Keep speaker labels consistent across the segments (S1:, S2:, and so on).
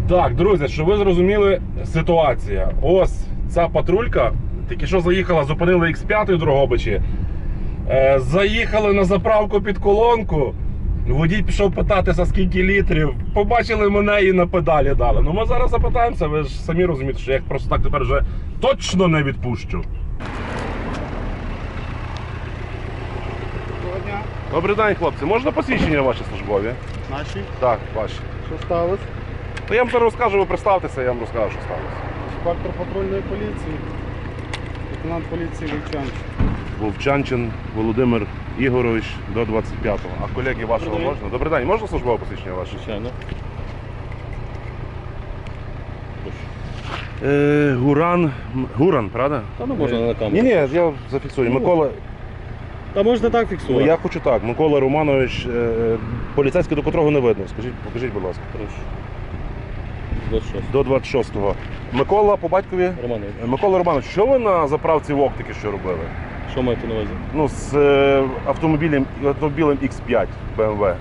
S1: Так, друзі, щоб ви зрозуміли ситуація. Ось ця патрулька тільки що заїхала, зупинили X5 у Дрогобичі. Заїхали на заправку під колонку. Водій пішов питатися, скільки літрів. Побачили мене і на педалі дали. Ну ми зараз запитаємося, ви ж самі розумієте, що я їх просто так тепер вже точно не відпущу.
S2: Доброго дня.
S1: Добрий день, хлопці. Можна посвідчення ваші службові?
S2: Наші?
S1: Так, ваші.
S2: Що сталося?
S1: То я вам зараз розкажу, ви представтеся, я вам розкажу, що сталося.
S2: Інспектор патрульної поліції, лейтенант поліції Вовчанчин.
S1: Вовчанчин Володимир Ігорович до 25-го. А колеги вашого
S3: Добрий день.
S1: можна? Добрий день, можна службове посвідчення ваше?
S3: Звичайно.
S1: Гуран, правда?
S3: Та ну можна на камеру.
S1: Ні, я зафіксую. Микола,
S3: Та можна так
S1: ну,
S3: фіксувати.
S1: я хочу так. Микола Романович, поліцейський, до котрого не видно. Покажіть, будь ласка.
S3: Прошу.
S1: До 26-го. Микола по батькові?
S3: Романович,
S1: Микола Романович, що ви на заправці ВОК тільки що робили?
S3: що маєте на увазі?
S1: Ну, з автомобілем X5 BMW.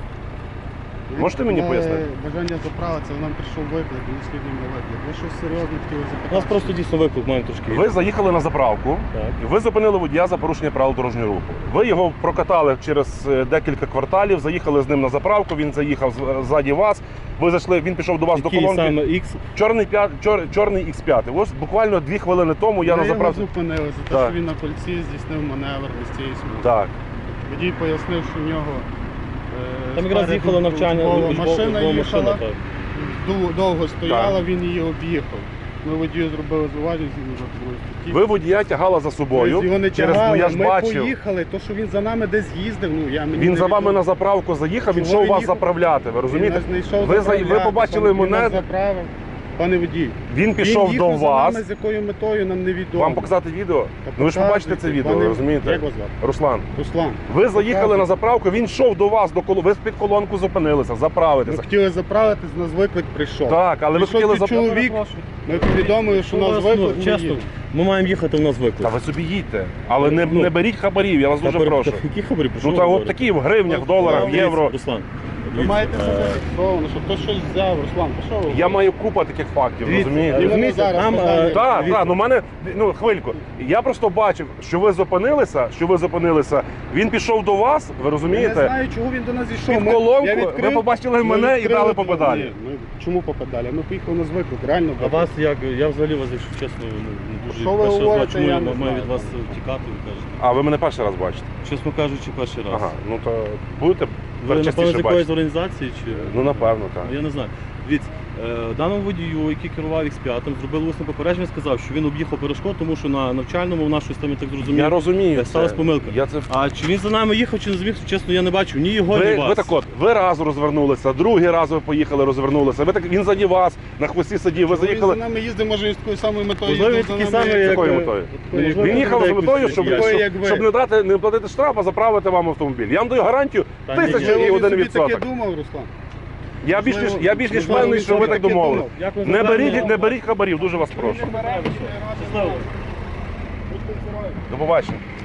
S1: Можете мені пояснити?
S2: Бажання заправитися, нам прийшов виклик, не слідуємо на виклик. Ви щось серйозне хотіли запитати?
S3: У нас просто дійсно виклик маємо трошки.
S1: Ви заїхали на заправку,
S3: Так.
S1: і ви зупинили водія за порушення правил дорожнього руху. Ви його прокатали через декілька кварталів, заїхали з ним на заправку, він заїхав ззаді вас, ви зайшли, він пішов до вас
S3: Який
S1: до колонки.
S3: саме X?
S1: Чорний X5. Ось буквально 2 хвилини тому я на
S2: Ми його
S1: заправці.
S2: зупинили за те,
S1: Так.
S2: що він на кольці здійснив маневр без цієї смуги.
S1: Так.
S2: Водій пояснив, що в нього
S3: Там якраз їхало навчання,
S2: машина їхала,
S3: машина, так.
S2: довго стояла, він її об'їхав. Ми водію зробили зауваження згідно з другої статті.
S1: Ви водія тягала за собою.
S2: Ми його не
S1: через,
S2: тягали,
S1: ну, я ж
S2: ми
S1: бачив.
S2: поїхали, то що він за нами десь їздив, ну я мені
S1: Він
S2: не
S1: за вами
S2: відомо.
S1: на заправку заїхав, він
S2: Чого
S1: йшов
S2: він
S1: вас
S2: їхав?
S1: заправляти, ви розумієте?
S2: Він нас не йшов
S1: Ви
S2: заправляти,
S1: побачили
S2: він нас
S1: мене,
S2: заправив. Пане водій,
S1: він пішов
S2: їхав
S1: до
S2: за
S1: вас.
S2: нами, з якою метою нам невідомо.
S1: Вам показати відео?
S2: Та
S1: Ну ви ж побачите це
S2: показуйте,
S1: відео,
S2: пане-
S1: ви розумієте?
S2: Як вас звати?
S1: Руслан,
S2: Руслан.
S1: ви заїхали
S2: Показуйте.
S1: на заправку, він йшов до вас, ви під колонку зупинилися,
S2: Ми
S1: заправитися.
S2: хотіли заправитись, нас виклик прийшов.
S1: Так, але ви
S2: Прийшов
S1: хотіли
S2: цей чоловік, ми повідомили, що нас виклик, ми
S3: чесно,
S2: їдемо.
S3: ми маємо їхати, у нас
S1: Та
S3: виклик.
S1: ви собі їдьте, але не,
S3: Ну,
S1: не беріть хабарів, я вас дуже прошу.
S3: Які хабарі? Про що
S1: Ну
S3: ви
S1: та от
S3: говорите?
S1: такі в гривнях, в доларах, в
S3: Дивіться,
S1: євро.
S3: Руслан,
S2: Ви
S3: дивіться,
S2: маєте це зафіксовано, що хтось щось взяв, Руслан, пішов.
S1: Я маю купа таких фактів,
S3: Дивіться,
S1: розумієте?
S2: Розумієте, зараз
S3: там,
S2: питання.
S1: Так,
S3: дивіться.
S1: так, ну мене, ну хвильку. Я просто бачив, що ви зупинилися, він пішов до вас, ви
S2: Я не
S1: розумієте?
S2: знаю, чого він до нас зійшов.
S1: Під
S2: Ми-
S1: колонку,
S2: я
S1: ви
S2: відкрив,
S1: побачили
S2: ми
S1: мене і
S2: відкрили
S1: дали по педалі.
S2: Ні, ми чому по педалі? Ми поїхали на звиклик, реально.
S3: А вас як? Я взагалі вас, якщо чесно, не дуже
S2: Що ви
S3: перший раз
S2: говорите,
S3: бачу,
S2: я
S3: маю
S2: не знаю.
S3: від вас втікати, ви кажете.
S1: А ви мене перший раз бачите?
S3: Чесно кажучи, перший раз.
S1: Ага, ну то будете
S3: Ви, напевно, з
S1: частіше
S3: якоїсь
S1: бачити?
S3: організації чи?
S1: Ну напевно, так.
S3: Я не знаю. Дивіться, даному водію, який керував X5, зробили усне попередження, сказав, що він об'їхав перешкод, тому що на навчальному в нас щось там, я так зрозумів,
S1: Я розумію.
S3: сталася
S1: це.
S3: помилка.
S1: Я це...
S3: А чи він за нами їхав, чи не зміг, чесно, я не бачив ні його, ні
S1: Ви
S3: вас.
S1: так от, ви раз розвернулися, другий раз ви поїхали, розвернулися. Він заді вас, на хвості сидів, ви
S2: Він за
S1: заїхали.
S2: нами їздив, може він з такою самою метою
S3: Можливо,
S2: їздив
S3: він
S2: за
S3: такий
S2: нами.
S3: самий,
S1: З
S3: як...
S1: якою метою?
S3: можливо,
S1: Він їхав з
S3: якось
S1: метою, щоб,
S2: такий, як ви.
S1: щоб не платити штраф, а заправити вам автомобіль. Я вам даю гарантію
S3: Та ні, ні.
S1: 1001
S2: Він собі таке
S1: відсоток.
S2: думав, Руслан.
S1: Я більш ніж
S2: Можливо,
S1: впевнений,
S2: він
S1: що ви
S2: собі
S1: так
S2: таке
S1: домовили.
S2: думав.
S3: Як ви
S1: Не
S3: забрали?
S1: беріть, не беріть хабарів, дуже вас прошу.
S3: Щасливо.
S1: До побачення.